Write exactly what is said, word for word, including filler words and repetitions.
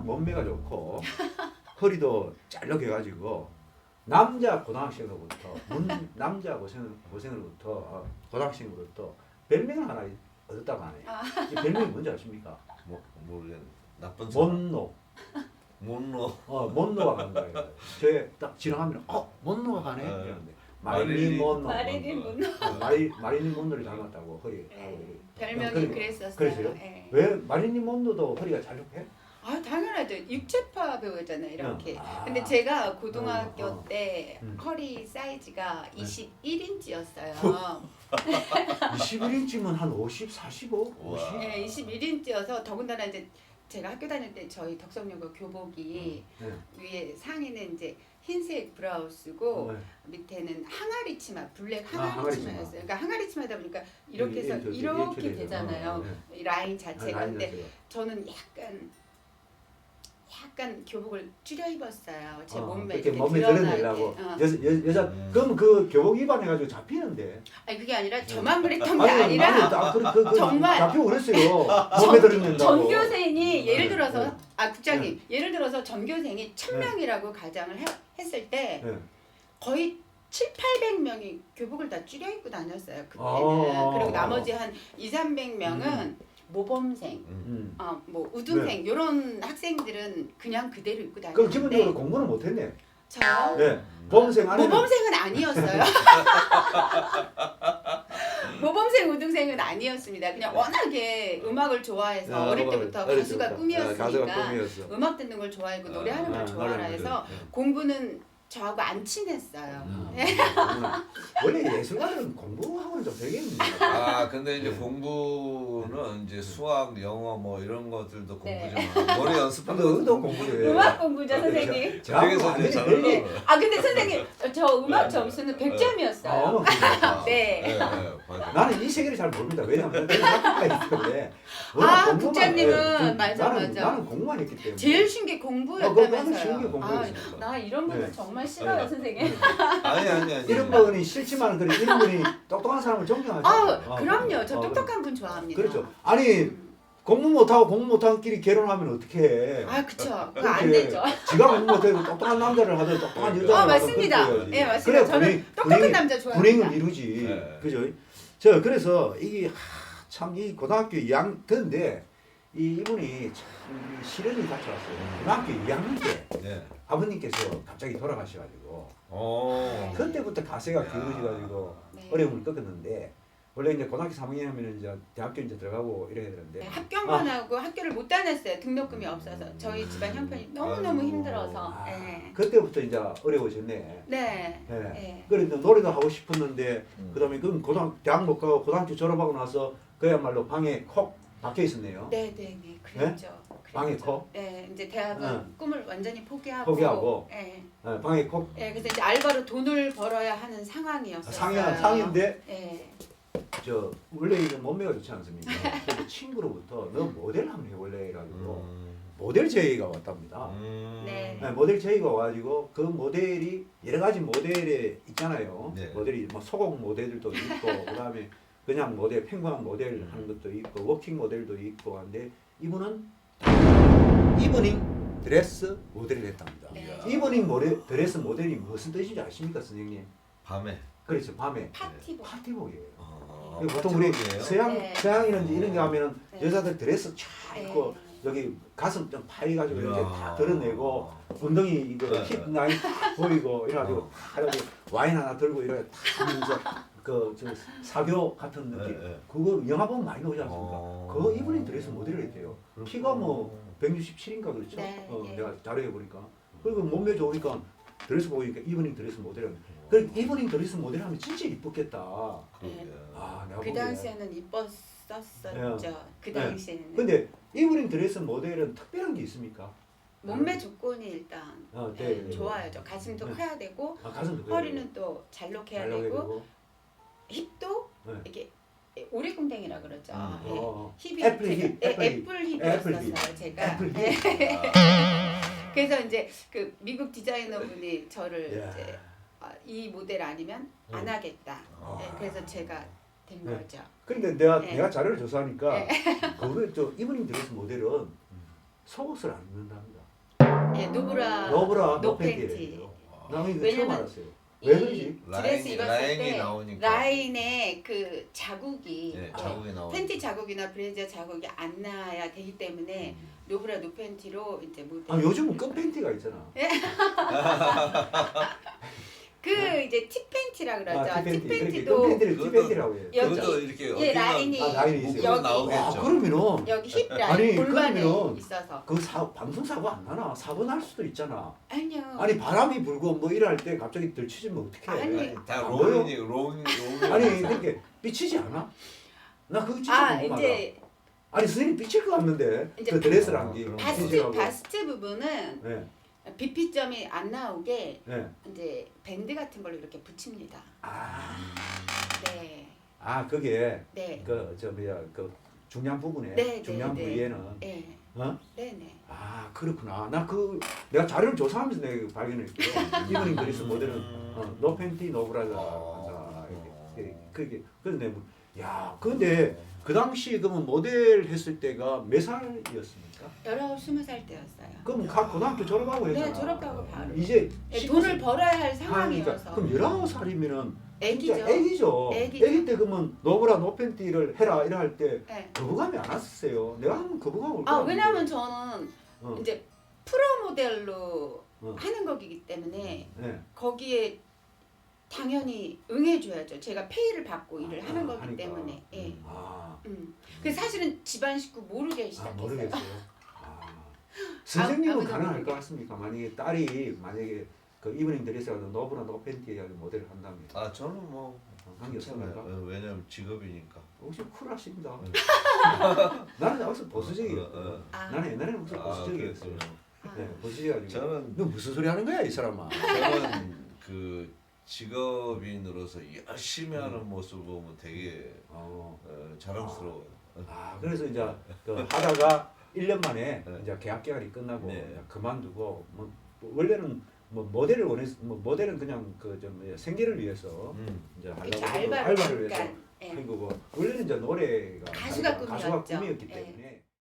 몸매가 좋고 허리도 짤록해가지고 남자 고등학생으로부터 문 남자 고생 고생으로부터 어, 고등학생으로부터 별명을 하나 얻었다고 하네요. 아. 이 별명이 뭔지 아십니까? 뭐 모르겠네. 나쁜 사람. 못노. 못노. 어 못노가 간다. 저에 딱 지나가면 어 못노가 가네. 네. 이러는데 마릴린 못노. 마릴린 못노. 어, 마리 마릴린 못노를 닮았다고 허리. 네. 별명이 그래- 그랬었어요. 그랬어요? 네. 왜 마릴린 못노도 허리가 짤록해? 아 당연하죠. 육체파 배우잖아요. 이렇게. 아. 근데 제가 고등학교 어, 어. 때 음. 허리 사이즈가 네. 이십일 인치였어요. 이십일 인치면 한 오십, 사십오, 우와. 오십. 네, 이십일 인치여서 더군다나 이제 제가 학교 다닐 때 저희 덕성여고 교복이 네. 위에 상의는 이제 흰색 브라우스고 네. 밑에는 항아리 치마, 블랙 아, 항아리 항아리 치마였어요. 치마. 그러니까 항아리 치마다 보니까 이렇게 해서 이렇게, 이렇게 이렇게 되잖아요. 어, 네. 이 라인 자체가. 아, 라인 근데 자체가. 저는 약간 약간 교복을 줄여 입었어요. 제 어, 몸매 이렇게 이렇게 몸매 드러나게. 드러내려고 어. 여자 여, 여자 음. 그럼 그 교복 입안해가지고 잡히는데 아니 그게 아니라 저만 그랬던 게 아니, 아니라 아니, 아, 그, 그, 그, 정말 잡히고 그랬어요. 몸매 드러낸다고. 전교생이 예를 네, 들어서 네. 아 국장님 예를 들어서 전교생이 천 네. 명이라고 가정을 해, 했을 때 네. 거의 칠팔백 명이 교복을 다 줄여 입고 다녔어요 그때는. 아. 그리고 나머지 한 이삼백 명은 모범생, 음. 음. 어, 뭐 우등생 이런 학생들은 그냥 그대로 입고 그럼 다녔는데 기본적으로 공부는 못했네. 저요? 네. 보험생 안에 모범생은 아니었어요. 모범생 우등생은 아니었습니다. 그냥 워낙에 음악을 좋아해서 아, 어릴 때부터 어릴 가수가 때부터. 꿈이었으니까 가수가 꿈이었어. 음악 듣는 걸 좋아하고 노래하는 아, 걸 좋아라 노래하는 해서 걸. 네. 공부는 저하고 안 친했어요. 음. 네. 아, 원래 예술가들은 공부하고는 좀 되겠는데. 아 근데 이제 네. 공부는 이제 수학, 영어 뭐 이런 것들도 네. 공부지만 노래 연습하는 근데 것도 의도 공부예요. 음악 공부죠 선생님. 저쪽에서 이제 잘 네. 올라가요. 아 근데 선생님 저 음악 네. 점수는 백 점이었어요. 아, 그래요? 네. 네, 네, 맞아요. 나는 이 세계를 잘 모릅니다. 왜냐하면 내가 학교가 있기 때문에. 아, 워낙 공부만- 국장님은 네, 맞아, 나는, 맞아. 나는 공부만 했기 때문에. 제일 쉬운 게 어, 그거 공부였다면서요. 쉬운 게 아, 공부였으니까. 나 이런 분들 네. 정말 싫어요 네. 선생님. 아니 아니 아니. 이런 분이 싫지만 그래 이런 분이 똑똑한 사람을 존경하죠. 아 어, 그럼요. 저 어, 똑똑한 분 좋아합니다. 그렇죠. 아니 음. 공부 못하고 공부 못한 끼리 결혼하면 어떡해. 아 그쵸. 그거 안 그렇게 되죠. 지가 공부 못해도 똑똑한 남자를 하든 똑똑한 아, 여자를 아 하든 맞습니다. 그렇게 해야지. 예 맞습니다. 그래 저는 분위기, 똑똑한 분위기, 남자 좋아합니다. 분행을 이루지. 네. 그죠? 저 그래서 이게 참 이 고등학교 이 학년 근데 이 이분이 참 시련이 같이 왔어요. 고등학교 이 학년 때 네. 아버님께서 갑자기 돌아가셔가지고 어. 그때부터 가세가 야. 기울어져가지고 네. 어려움을 겪었는데 원래 이제 고등학교 삼 학년 하면 이제 대학교 이제 들어가고 이래야 되는데 네, 합격만 하고 학교를 못 다녔어요. 등록금이 없어서 저희 집안 형편이 너무 너무 아이고. 힘들어서. 아, 네. 그때부터 이제 어려워졌네. 네. 예. 네. 그래서 노래도 하고 싶었는데 음. 그다음에 그 고등 대학 못 가고 고등학교 졸업하고 나서 그야말로 방에 콕 박혀 있었네요. 네, 네, 네, 그랬죠. 방에 그랬죠. 콕? 네, 이제 대학은 응. 꿈을 완전히 포기하고. 포기하고. 네. 예, 방에 콕 네, 그래서 이제 알바로 돈을 벌어야 하는 상황이었어요. 상이야 상인데 네. 저 원래 이제 몸매가 좋지 않습니까? 그래서 친구로부터 너 모델 한번 해볼래 해가지고 음. 모델 제의가 왔답니다. 음. 네. 네, 모델 제의가 와가지고 그 모델이 여러 가지 모델에 있잖아요. 네. 모델이 뭐 소공 모델들도 있고 그다음에 그냥 모델 평범한 모델 하는 것도 있고 워킹 모델도 있고 한데 이분은 이브닝 드레스 모델을 했답니다. 네. 이브닝 모델, 드레스 모델이 무슨 뜻인지 아십니까, 선생님? 밤에. 그렇죠, 밤에 파티복. 파티복이에요. 어, 그리고 보통 우리 파티복이에요? 서양 네. 서양이든지 이런 게 하면은 네. 여자들 드레스 쫙 입고 네. 여기 가슴 좀 파여가지고 이렇게 이야. 다 드러내고 엉덩이 이거 네, 힙 네. 라인 딱 보이고 이래가지고 어. 다 이렇게 와인 하나 들고 이렇게 딱 하면서 그저 사교 같은 느낌 네, 네. 그거 영화 보면 많이 나오지 않습니까? 어. 그거 이분이 드레스 모델을 했대요. 키가 뭐 백육십칠인가 그렇죠? 네, 어, 예. 내가 자료해 보니까 그리고 몸매 좋으니까 드레스 보이니까 이브닝 드레스 모델을 그 이브닝 드레스 모델 하면 진짜 이쁘겠다. 그러게. 아 내가 그 보기에. 당시에는 이뻤었죠. 그 네. 당시에는. 근데 이브닝 드레스 모델은 특별한 게 있습니까? 몸매 조건이 일단 어, 네, 네, 네. 좋아야죠. 가슴도 네. 커야 되고 아, 가슴도 허리는 또 잘록해야 잘 나오게 되고 되고. 힙도 네. 이렇게 오리궁뎅이라 그러죠. 음. 예. 어, 힙이 애플 제가- 힙, 예, 애플 힙. 애플 애플 힙이었어요 힙. 제가. 애플 힙. 예. 아. 그래서 이제 그 미국 디자이너분이 저를 야. 이제 아, 이 모델 아니면 안 음. 하겠다. 아. 예, 그래서 제가 된 네. 거죠. 그런데 내가 네. 내가 자료를 조사하니까 네. 그거 저 이브닝 드레스 모델은 속옷을 안 입는답니다. 예, 노브라 노브라 노팬티. 노팬티예요. 나 이거 처음 왜냐면 알았어요. 왜 그러지? 이 드레스 라인이- 입었을 라인이 때 나오니까. 라인에 그 자국이 네, 어, 자국이 나오니까. 팬티 자국이나 브래지어 자국이 안 나야 되기 때문에 음. 노브라 노팬티로 이제 모델. 아 요즘은 끈 팬티가 있잖아. 그 이제 티 팬티라 그러죠. 아, 티 티팬티. 그렇게 팬티도 끈 팬티를 그것도- 티팬티라고 해요. 여기- 그것도 이렇게 예, 어깨가 라인이 아, 라인이 있어요. 부분 여기- 나오겠죠. 아 그러면은 여기 힙 라인 아니, 골반에 그러면은 있어서. 그 사, 방송 사고 안 나나? 사고 날 수도 있잖아. 아니요. 아니 바람이 불고 뭐 이럴 때 갑자기 들치지면 어떡해? 아니. 아니, 다 안 보여? 롤이니 롤 롤. 아니 그렇게 삐치지 않아? 나 그거 진짜 아 궁금하다. 이제 아니 선생님 삐칠 것 같는데 이제 그 드레스란 게 그럼 바스트 삐치라고. 바스트 부분은 네, 비피점이 안 나오게 네. 이제 밴드 같은 걸로 이렇게 붙입니다. 아, 네, 아 그게 네, 그 저 뭐야 그 중량 부분에 네, 중량 네, 네. 부위에는 네, 어? 네, 네. 아 그렇구나. 나 그 내가 자료를 조사하면서 내가 발견했거든. 이브닝 드레스 모델은 어, 노 팬티 노 브라자 한다. 이렇게 그게 그런데 뭐, 야 근데 그 당시 그러면 모델 했을 때가 몇 살이었습니까? 열아홉 스무 살 때였어요. 그럼 각 고등학교 졸업하고 했잖아. 네, 졸업하고 바로. 이제 네, 돈을 벌어야 할 그러니까 상황이어서. 그럼 열아홉 살이면은 애기죠. 진짜 애기죠. 애기죠. 애기 때 그러면 노브라 노팬티를 해라 이래 할 때 네. 거부감이 안 왔었어요. 내가 하면 거부감 올 아 거야. 왜냐면 저는 어. 이제 프로 모델로 어. 하는 거기 때문에 네. 거기에 당연히 응해줘야죠. 제가 페이를 받고 일을 아, 하는 거기 하니까. 때문에. 예. 음. 아, 음. 그 사실은 집안 식구 모르게 아 시작했어요. 모르겠어요. 아, 선생님은 아무도 가능할 모르게. 것 같습니까? 만약에 딸이 만약에 그 이브닝 드레스가 노브라 노팬티에 모델을 한다면 아 저는 뭐 관계없습니까? 괜찮아요. 어, 왜냐면 직업이니까. 혹시 쿨하십니다. 네. 나는 항상 보수적이었고 어, 어. 아, 나는 옛날에는 항상 아, 보수적이었어요. 그랬군요. 아. 네, 보수적이가지고 저는 너 무슨 소리 하는 거야 이 사람아? 저는 그 직업인으로서 열심히 하는 모습 보면 되게 어. 어, 자랑스러워요. 아 그래서 이제 그 하다가 일 년 만에 네. 이제 계약 기간이 끝나고 네. 이제 그만두고 뭐 원래는 뭐 모델을 원했 뭐 모델은 그냥 그좀 생계를 위해서 음. 이제 그렇죠. 하려고 알바를, 알바를 위해서 잠깐. 예. 한 거고 원래는 이제 노래가 가수가 자기가 가수가 꿈이었죠. 꿈이었기 예. 때문에